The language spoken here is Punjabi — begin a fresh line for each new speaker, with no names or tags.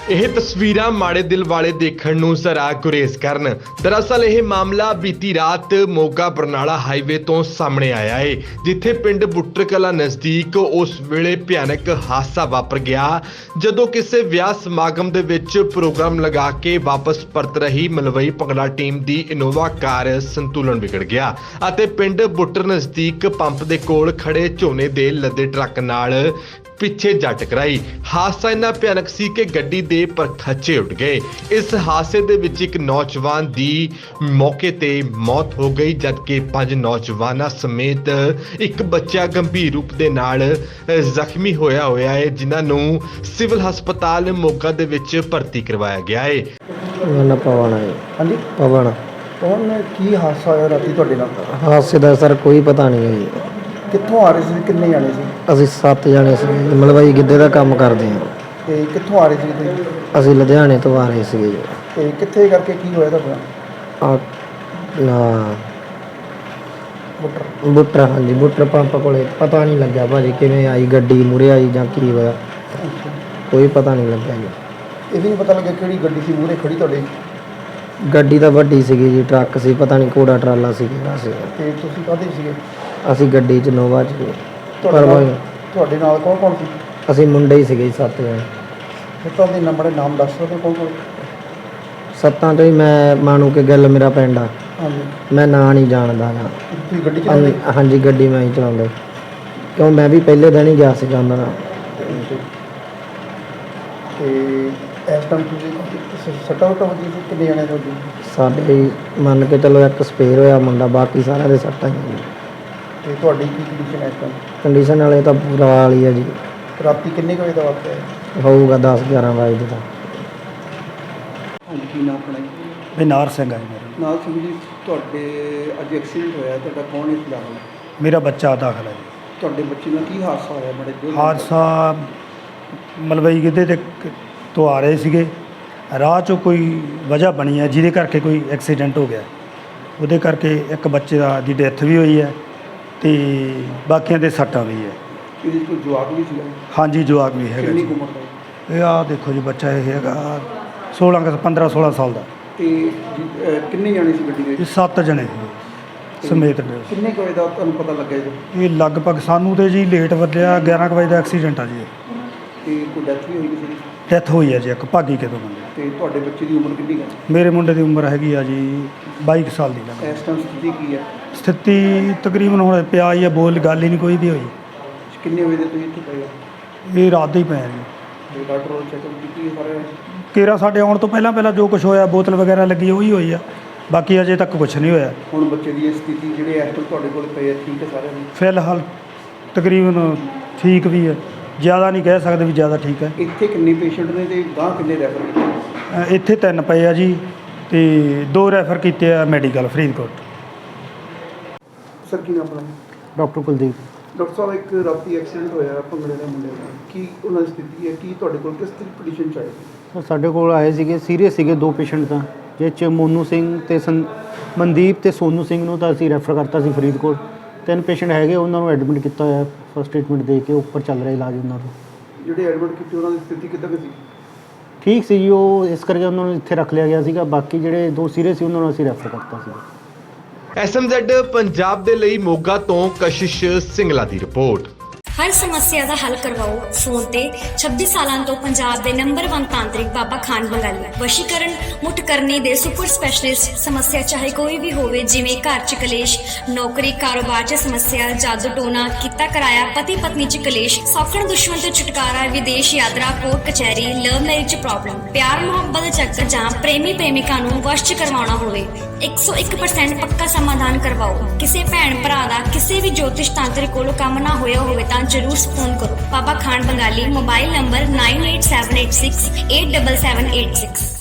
ਇਹ ਤਸਵੀਰਾਂ ਮਾੜੇ ਦਿਲ ਵਾਲੇ ਦੇਖਣ ਨੂੰ ਜ਼ਰਾ ਗੁਰੇਜ਼ ਕਰਨ। ਦਰਅਸਲ ਇਹ ਮਾਮਲਾ ਬੀਤੀ ਰਾਤ ਮੋਗਾ ਬਰਨਾਲਾ ਹਾਈਵੇ ਤੋਂ ਸਾਹਮਣੇ ਆਇਆ ਹੈ, ਜਿੱਥੇ ਪਿੰਡ ਬੁੱਟਰ ਕਲਾਂ ਨਜ਼ਦੀਕ ਉਸ ਵੇਲੇ ਭਿਆਨਕ ਹਾਦਸਾ ਵਾਪਰ ਗਿਆ ਜਦੋਂ ਕਿਸੇ ਵਿਆਹ ਸਮਾਗਮ ਦੇ ਵਿੱਚ ਪ੍ਰੋਗਰਾਮ ਲਗਾ ਕੇ ਵਾਪਸ ਪਰਤ ਰਹੀ ਮਲਵਈ ਭੰਗੜਾ ਟੀਮ ਦੀ ਇਨੋਵਾ ਕਾਰ ਸੰਤੁਲਨ ਵਿਗੜ ਗਿਆ ਅਤੇ ਪਿੰਡ ਬੁੱਟਰ ਨਜ਼ਦੀਕ ਪੰਪ ਦੇ ਕੋਲ ਖੜੇ ਝੋਨੇ ਦੇ ਲੱਦੇ ਟਰੱਕ ਨਾਲ ਪਿੱਛੇ ਜਾ ਟਕਰਾਈ। ਹਾਦਸਾ ਇੰਨਾ ਭਿਆਨਕ ਸੀ ਕਿ ਗੱਡੀ ਦੇ ਪਰਖੱਚੇ ਉੱਡ ਗਏ। ਇਸ ਹਾਦਸੇ ਦੇ ਵਿੱਚ ਇੱਕ ਨੌਜਵਾਨ ਦੀ ਮੌਕੇ ਤੇ ਮੌਤ ਹੋ ਗਈ, ਜਦਕਿ 5 ਨੌਜਵਾਨਾਂ ਸਮੇਤ ਇੱਕ ਬੱਚਾ ਗੰਭੀਰ ਰੂਪ ਦੇ ਨਾਲ ਜ਼ਖਮੀ ਹੋਇਆ ਹੈ, ਜਿਨ੍ਹਾਂ ਨੂੰ ਸਿਵਲ ਹਸਪਤਾਲ ਮੋਗਾ ਦੇ ਵਿੱਚ ਭਰਤੀ ਕਰਵਾਇਆ ਗਿਆ ਹੈ।
ਮੇਰਾ ਪਵਨ ਹੈ।
ਹਾਂਜੀ
ਪਵਨ
ਕੌਣ ਕੀ ਹਾਦਸਾ ਹੋਇਆ ਰਾਤੀ ਤੁਹਾਡੇ ਨਾਲ?
ਹਾਦਸੇ ਦਾ ਸਰ ਕੋਈ ਪਤਾ ਨਹੀਂ ਹੈ ਜੀ।
ਕਿੱਥੋਂ ਆ ਰਹੇ ਸੀ, ਕਿੰਨੇ ਜਾਣੇ ਸੀ
ਅਸੀਂ 7 ਜਣੇ ਸੀ, ਮਲਵਈ ਗਿੱਧੇ ਦਾ ਕੰਮ ਕਰਦੇ ਹਾਂ।
ਤੇ ਕਿੱਥੋਂ ਆ ਰਹੇ ਸੀ ਤੁਸੀਂ?
ਅਸੀਂ ਲੁਧਿਆਣੇ ਤੋਂ ਆ ਰਹੇ ਸੀਗੇ ਜੀ।
ਤੇ ਕਿੱਥੇ ਕਰਕੇ ਕੀ ਹੋਇਆ ਤੁਹਾਡਾ? ਬੁੱਟਰ
ਬੁੱਟਰ, ਹਾਂਜੀ ਬੁੱਟਰ ਪੰਪ ਕੋਲੇ ਪਤਾ ਨਹੀਂ ਲੱਗਿਆ ਭਾਜੀ ਕਿਵੇਂ ਆਈ ਗੱਡੀ, ਮੂਹਰੇ ਆਈ ਜਾਂ ਕੀ ਹੋਇਆ, ਕੋਈ ਪਤਾ ਨਹੀਂ ਲੱਗਿਆ ਜੀ।
ਇਹ ਵੀ ਨਹੀਂ ਪਤਾ ਲੱਗਿਆ ਕਿਹੜੀ ਗੱਡੀ ਸੀ ਮੂਹਰੇ ਖੜੀ ਤੁਹਾਡੇ?
ਗੱਡੀ ਤਾਂ ਵੱਡੀ ਸੀਗੀ ਜੀ, ਟਰੱਕ ਸੀ, ਪਤਾ ਨਹੀਂ ਕੋੜਾ ਟਰਾਲਾ ਸੀ ਕਿਹੜਾ ਸੀ।
ਤੇ ਤੁਸੀਂ ਕਾਹਦੇ ਸੀਗੇ?
ਅਸੀਂ ਗੱਡੀ 'ਚ ਨੋਵਾ 'ਚ ਗਏ।
ਤੁਹਾਡੇ ਨਾਲ ਕੌਣ ਕੌਣ ਸੀ?
ਅਸੀਂ ਮੁੰਡੇ ਹੀ ਸੀਗੇ 7 ਜਣੇ।
ਸੱਤਾਂ ਦੇ ਨੰਬਰ ਨਾਮ ਦੱਸ ਸਕਦੇ ਕੌਣ ਕੌਣ?
7 ਤੋਂ ਹੀ ਮੈਂ ਮਾਣੂ ਕੇ ਗੱਲ ਮੇਰਾ ਪਿੰਡ ਆ,
ਹਾਂਜੀ।
ਮੈਂ ਨਾਂ ਨਹੀਂ ਜਾਣਦਾ ਗਾ।
ਤੁਸੀਂ ਗੱਡੀ ਚਲਾਉਂਦੇ?
ਹਾਂਜੀ ਗੱਡੀ ਮੈਂ ਹੀ ਚਲਾਉਂਦਾ, ਕਿਉਂ ਮੈਂ ਵੀ ਪਹਿਲੇ ਦਿਨ ਹੀ ਗਿਆ ਸੀਗਾ ਉਹਨਾਂ ਨਾਲ।
ਤੇ ਇਸ ਟਾਈਮ ਤੁਸੀਂ ਸੱਟਾਂ ਵਜੀ ਸੀ? ਕਿੰਨੇ ਜਾਣੇ ਤੁਹਾਡੇ?
ਸਾਡੇ ਮੰਨ ਕੇ ਚਲੋ ਇੱਕ ਸਪੇਅਰ ਹੋਇਆ ਮੁੰਡਾ, ਬਾਕੀ ਸਾਰਿਆਂ ਦੇ ਸੱਟਾਂ ਹੀ।
ਤੇ ਤੁਹਾਡੀ ਕੀ ਕੰਡੀਸ਼ਨ ਹੈ ਇਸ ਟਾਈਮ?
ਕੰਡੀਸ਼ਨ ਵਾਲੇ ਤਾਂ ਪੂਰਾ ਹਾਲ ਹੀ ਆ ਜੀ।
ਰਾਤੀ ਕਿੰਨੇ ਕੁ ਵਜੇ ਦਾ ਵਾਕਿਆ ਹੈ?
ਹੋਊਗਾ 10-11 ਵਜੇ ਦਾ।
ਹਾਂਜੀ, ਕੀ ਨਾਮ ਆਪਣਾ?
ਬਿਨਾਰ ਸਿੰਘ ਹੈ ਮੇਰਾ।
ਨਾਲ ਸਿੰਘ ਜੀ, ਤੁਹਾਡੇ ਅੱਜ ਐਕਸੀਡੈਂਟ ਹੋਇਆ, ਤੁਹਾਡਾ ਕੌਣ ਇਸ ਦਾ?
ਮੇਰਾ ਬੱਚਾ ਦਾਖਲ ਹੈ ਜੀ।
ਤੁਹਾਡੇ ਬੱਚੇ ਨਾਲ ਕੀ ਹਾਦਸਾ ਹੋਇਆ? ਬੜੇ ਦਿਲ
ਹਾਦਸਾ ਮਲਵਈ ਗਿੱਧੇ ਤੇ ਤੋਂ ਆ ਰਹੇ ਸੀਗੇ, ਰਾਹ 'ਚੋਂ ਕੋਈ ਵਜ੍ਹਾ ਬਣੀ ਹੈ ਜਿਹਦੇ ਕਰਕੇ ਕੋਈ ਐਕਸੀਡੈਂਟ ਹੋ ਗਿਆ। ਉਹਦੇ ਕਰਕੇ ਇੱਕ ਬੱਚੇ ਦੀ ਡੈਥ ਵੀ ਹੋਈ ਹੈ ਤੇ ਬਾਕੀਆਂ ਦੇ ਸੱਟਾਂ ਵੀ ਹੈ।
ਇਹਦੇ 'ਚ ਕੋਈ ਜਵਾਕ ਵੀ ਸੀਗਾ?
ਹਾਂਜੀ ਜਵਾਕ ਵੀ ਹੈਗਾ
ਕਿੰਨੀ
ਜੀ।
ਕੁ ਉਮਰ ਦਾ?
ਇਹ ਆਹ ਦੇਖੋ ਜੀ, ਬੱਚਾ ਇਹ ਹੈਗਾ 15-16 ਸਾਲ ਦਾ।
ਤੇ ਕਿੰਨੇ ਜਾਣੇ ਸੀ ਗੱਡੀ ਦੇ?
ਇਹ 7 ਜਣੇ ਸੀ ਸਮੇਤ।
ਕਿੰਨੇ ਕੁ ਵਜੇ ਦਾ ਤੁਹਾਨੂੰ ਪਤਾ ਲੱਗਿਆ ਜੀ?
ਇਹ ਲਗਭਗ ਸਾਨੂੰ ਤੇ ਜੀ ਲੇਟ ਵੱਜਿਆ 11 ਕੁ ਵਜੇ ਦਾ ਐਕਸੀਡੈਂਟ ਆ ਜੀ।
ਤੇ ਕੋਈ ਡੈਥ ਵੀ ਹੋਈ ਕਿਸੇ ਦੀ?
ਡੈਥ ਹੋਈ ਹੈ ਜੀ ਇੱਕ ਭਾਗੀ ਕੇ ਤੋਂ ਬੰਦੇ।
ਤੇ ਤੁਹਾਡੇ ਬੱਚੇ ਦੀ ਉਮਰ ਕਿੰਨੀ ਹੈ?
ਮੇਰੇ ਮੁੰਡੇ ਦੀ ਉਮਰ ਹੈਗੀ ਆ ਜੀ 22 ਸਾਲ ਦੀ ਲੱਗ।
ਇਸ ਟਾਈਮ ਸਥਿਤੀ ਕੀ ਹੈ?
ਸਥਿਤੀ ਤਕਰੀਬਨ ਹੁਣ ਪਿਆ ਹੀ ਆ, ਬੋਲ ਗੱਲ ਹੀ ਨਹੀਂ ਕੋਈ ਵੀ ਹੋਈ।
ਕਿੰਨੇ ਵਜੇ ਦੇ ਤੁਸੀਂ ਇੱਥੇ ਪਏ ਹੋ?
ਇਹ ਰਾਤ ਦੇ ਹੀ ਪਏ ਆ ਜੀ।
ਤੇ ਡਾਕਟਰ ਕੋਲ ਚੈੱਕਅਪ ਕੀਤੀ ਸਾਰੇ?
ਕੇਰਾ ਸਾਡੇ ਆਉਣ ਤੋਂ ਪਹਿਲਾਂ ਜੋ ਕੁਝ ਹੋਇਆ, ਬੋਤਲ ਵਗੈਰਾ ਲੱਗੀ ਉਹੀ ਹੋਈ ਆ, ਬਾਕੀ ਅਜੇ ਤੱਕ ਕੁਝ ਨਹੀਂ ਹੋਇਆ।
ਹੁਣ ਬੱਚੇ ਦੀ ਇਹ ਸਥਿਤੀ ਜਿਹੜੇ ਇਸ ਟਾਈਮ ਤੁਹਾਡੇ ਕੋਲ ਪਏ ਆ, ਠੀਕ ਹੈ ਸਾਰਿਆਂ ਦੀ?
ਫਿਲਹਾਲ ਤਕਰੀਬਨ ਠੀਕ ਵੀ ਹੈ, ਜ਼ਿਆਦਾ ਨਹੀਂ ਕਹਿ ਸਕਦੇ ਵੀ ਜ਼ਿਆਦਾ ਠੀਕ ਹੈ।
ਇੱਥੇ ਕਿੰਨੇ ਪੇਸ਼ੈਂਟ ਨੇ ਤੇ ਗਾਂ ਕਿੰਨੇ ਰੈਫਰ ਕੀਤੇ?
ਇੱਥੇ 3 ਪਏ ਆ ਜੀ ਤੇ 2 ਰੈਫਰ ਕੀਤੇ ਆ ਮੈਡੀਕਲ ਫਰੀਦਕੋਟ।
ਸਰ ਕੀ ਨਾਮ ਆਪਣਾ?
ਡਾਕਟਰ ਕੁਲਦੀਪ।
ਡਾਕਟਰ ਸਾਹਿਬ, ਇੱਕ ਰਾਤੀ ਐਕਸੀਡੈਂਟ ਹੋਇਆ ਭੰਗੜੇ ਦੇ ਮੁੰਡੇ ਦਾ, ਕੀ ਉਹਨਾਂ ਦੀ ਸਥਿਤੀ ਹੈ? ਕੀ ਤੁਹਾਡੇ ਕੋਲ ਕਿਸ ਤਰ੍ਹਾਂ ਪੋਜੀਸ਼ਨ ਚ ਆਏ?
ਸਰ ਸਾਡੇ ਕੋਲ ਆਏ ਸੀਗੇ, ਸੀਰੀਅਸ ਸੀਗੇ 2 ਪੇਸ਼ੈਂਟ ਤਾਂ, ਜਿਹ 'ਚ ਮੋਨੂ ਸਿੰਘ ਤੇ ਮਨਦੀਪ ਤੇ ਸੋਨੂ ਸਿੰਘ ਨੂੰ ਤਾਂ ਅਸੀਂ ਰੈਫਰ ਕਰਤਾ ਸੀ ਫਰੀਦਕੋਟ। 3 ਪੇਸ਼ੈਂਟ ਹੈਗੇ, ਉਹਨਾਂ ਨੂੰ ਐਡਮਿਟ ਕੀਤਾ ਹੋਇਆ, ਫਸਟ ਟ੍ਰੀਟਮੈਂਟ ਦੇ ਕੇ ਉੱਪਰ ਚੱਲ ਰਿਹਾ ਇਲਾਜ ਉਹਨਾਂ ਦਾ।
ਜਿਹੜੇ ਐਡਮਿਟ ਕੀਤੇ ਉਹਨਾਂ ਦੀ ਸਥਿਤੀ ਕਿੱਦਾਂ ਦੀ ਸੀ?
ਠੀਕ ਸੀ ਜੀ, ਉਹ ਇਸ ਕਰਕੇ ਉਹਨਾਂ ਨੂੰ ਇੱਥੇ ਰੱਖ ਲਿਆ ਗਿਆ ਸੀਗਾ। ਬਾਕੀ ਜਿਹੜੇ 2 ਸੀਰੀਅਸ ਸੀ ਉਹਨਾਂ ਨੂੰ ਅਸੀਂ ਰੈਫਰ ਕਰਤਾ ਸੀ।
SMZ ਪੰਜਾਬ ਦੇ ਲਈ ਮੋਗਾ ਤੋਂ ਕਸ਼ਿਸ਼ ਸਿੰਗਲਾ ਦੀ ਰਿਪੋਰਟ।
ਹਰ ਸਮੱਸਿਆ ਦਾ ਹੱਲ ਕਰਵਾਓ ਫੋਨ ਤੇ। 26 ਸਾਲਾਂ ਤੋਂ ਪੰਜਾਬ ਦੇ ਨੰਬਰ 1 ਤਾਂਤਰਿਕ ਬਾਬਾ ਖਾਨ ਬੰਗਾਲੀ। ਵਸ਼ੀਕਰਨ, ਮੁੱਠ ਕਰਨੀ ਦੇ ਸੁਪਰ ਸਪੈਸ਼ਲਿਸਟ। ਸਮੱਸਿਆ ਚਾਹੇ ਕੋਈ ਵੀ ਹੋਵੇ, ਜਿਵੇਂ ਘਰ 'ਚ ਕਲੇਸ਼, ਨੌਕਰੀ ਕਾਰੋਬਾਰ 'ਚ ਸਮੱਸਿਆ, ਜਾਦੂ ਟੋਨਾ, ਕੀਤਾ ਕਰਾਇਆ, ਪਤੀ ਪਤਨੀ 'ਚ ਕਲੇਸ਼, ਸੌਖਣ ਦੁਸ਼ਮਣ ਤੋਂ ਛੁਟਕਾਰਾ, ਵਿਦੇਸ਼ ਯਾਤਰਾ, ਕੋਰਟ ਕਚਹਿਰੀ, ਲਵ ਮੈਰਿਜ 'ਚ ਪ੍ਰੋਬਲਮ, ਪਿਆਰ ਮੁਹੱਬਤ ਦੇ ਚੱਕਰ ਜਾਂ ਪ੍ਰੇਮੀ ਪ੍ਰੇਮਿਕਾ ਨੂੰ ਵਸ਼ 'ਚ ਕਰਵਾਉਣਾ ਹੋਵੇ, 101% ਪੱਕਾ ਸਮਾਧਾਨ ਕਰਵਾਓ। ਕਿਸੇ ਭੈਣ ਭਰਾ ਦਾ ਕਿਸੇ ਵੀ ਜੋਤਿਸ਼ ਤਾਂਤਰਿਕ ਕੋਲੋਂ ਕੰਮ ਨਾ ਹੋਇਆ ਹੋਵੇ ਤਾਂ ਜਰੂਰ ਫੋਨ ਕਰੋ। ਬਾਬਾ ਖਾਨ ਬੰਗਾਲੀ। Mobile number 9878687786।